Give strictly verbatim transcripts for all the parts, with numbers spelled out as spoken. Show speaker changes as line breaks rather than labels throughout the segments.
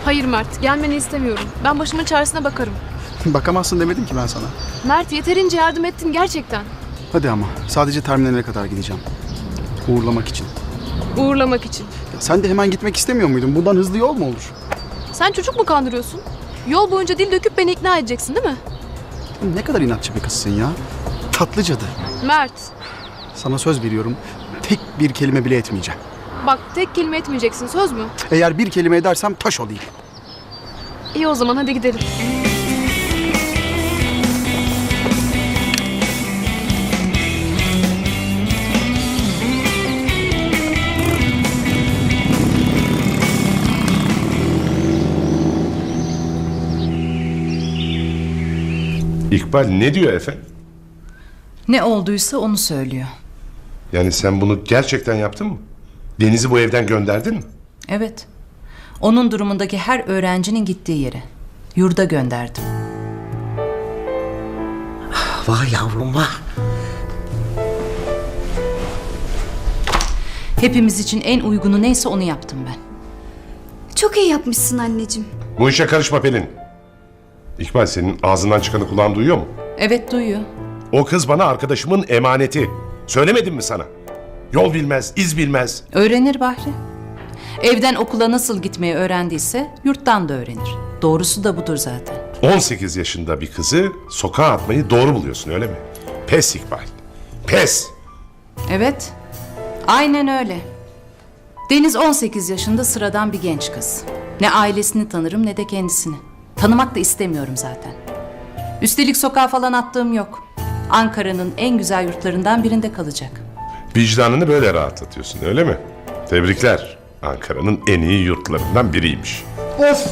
Hayır Mert, gelmeni istemiyorum. Ben başımın çaresine bakarım.
Bakamazsın demedim ki ben sana.
Mert, yeterince yardım ettin gerçekten.
Hadi ama sadece terminale kadar gideceğim. Uğurlamak için.
Uğurlamak için.
Ya sen de hemen gitmek istemiyor muydun? Buradan hızlı yol mu olur?
Sen çocuk mu kandırıyorsun? Yol boyunca dil döküp beni ikna edeceksin değil mi?
Ne kadar inatçı bir kızsın ya. Tatlı cadı.
Mert,
Sana söz veriyorum. Tek bir kelime bile etmeyeceğim.
bak tek kelime etmeyeceksin, söz mü?
Eğer bir kelime edersem taş olayım.
İyi o zaman, hadi gidelim.
İkbal ne diyor efendim?
Ne olduysa onu söylüyor.
Yani sen bunu gerçekten yaptın mı? Deniz'i bu evden gönderdin mi?
Evet. Onun durumundaki her öğrencinin gittiği yere. Yurda gönderdim.
Vah yavrum vah.
Hepimiz için en uygunu neyse onu yaptım ben.
Çok iyi yapmışsın anneciğim.
Bu işe karışma Pelin. İkbal senin ağzından çıkanı kulağın duyuyor mu?
Evet, duyuyor.
O kız bana arkadaşımın emaneti. Söylemedim mi sana? Yol bilmez, iz bilmez.
Öğrenir Bahri. Evden okula nasıl gitmeyi öğrendiyse yurttan da öğrenir. Doğrusu da budur zaten.
on sekiz yaşında bir kızı sokağa atmayı doğru buluyorsun öyle mi? Pes İkbal. Pes.
Evet. Aynen öyle. Deniz on sekiz yaşında sıradan bir genç kız. Ne ailesini tanırım ne de kendisini. Tanımak da istemiyorum zaten. Üstelik sokağa falan attığım yok. Ankara'nın en güzel yurtlarından birinde kalacak.
Vicdanını böyle rahatlatıyorsun öyle mi? Tebrikler. Ankara'nın en iyi yurtlarından biriymiş.
Of.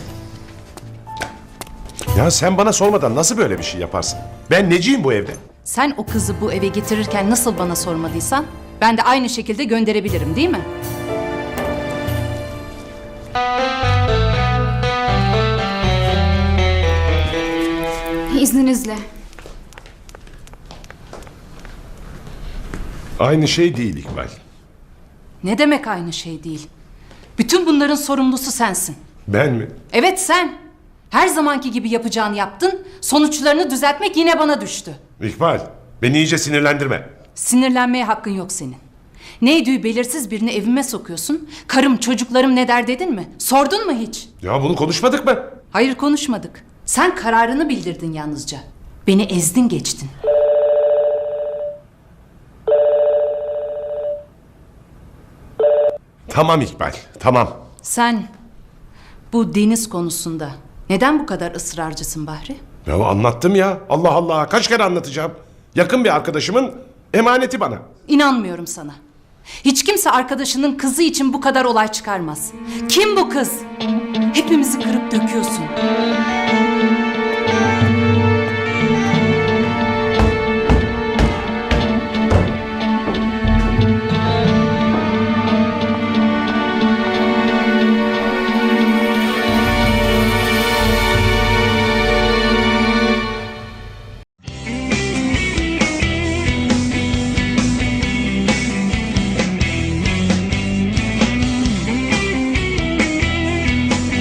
Ya sen bana sormadan nasıl böyle bir şey yaparsın? Ben neciyim bu evde?
Sen o kızı bu eve getirirken nasıl bana sormadıysan ben de aynı şekilde gönderebilirim, değil mi?
İzninizle.
Aynı şey değil İkbal.
Ne demek aynı şey değil? Bütün bunların sorumlusu sensin.
Ben mi?
Evet, sen. Her zamanki gibi yapacağını yaptın. Sonuçlarını düzeltmek yine bana düştü.
İkbal, beni iyice sinirlendirme.
Sinirlenmeye hakkın yok senin. Neydi belirsiz birini evime sokuyorsun. Karım, çocuklarım ne der dedin mi? Sordun mu hiç?
Ya bunu konuşmadık mı?
Hayır, konuşmadık. Sen kararını bildirdin yalnızca. Beni ezdin geçtin.
Tamam İkbal, tamam.
Sen bu Deniz konusunda neden bu kadar ısrarcısın Bahri?
Ya anlattım ya. Allah Allah, kaç kere anlatacağım. Yakın bir arkadaşımın emaneti bana.
İnanmıyorum sana. Hiç kimse arkadaşının kızı için bu kadar olay çıkarmaz. Kim bu kız? Hepimizi kırıp döküyorsun.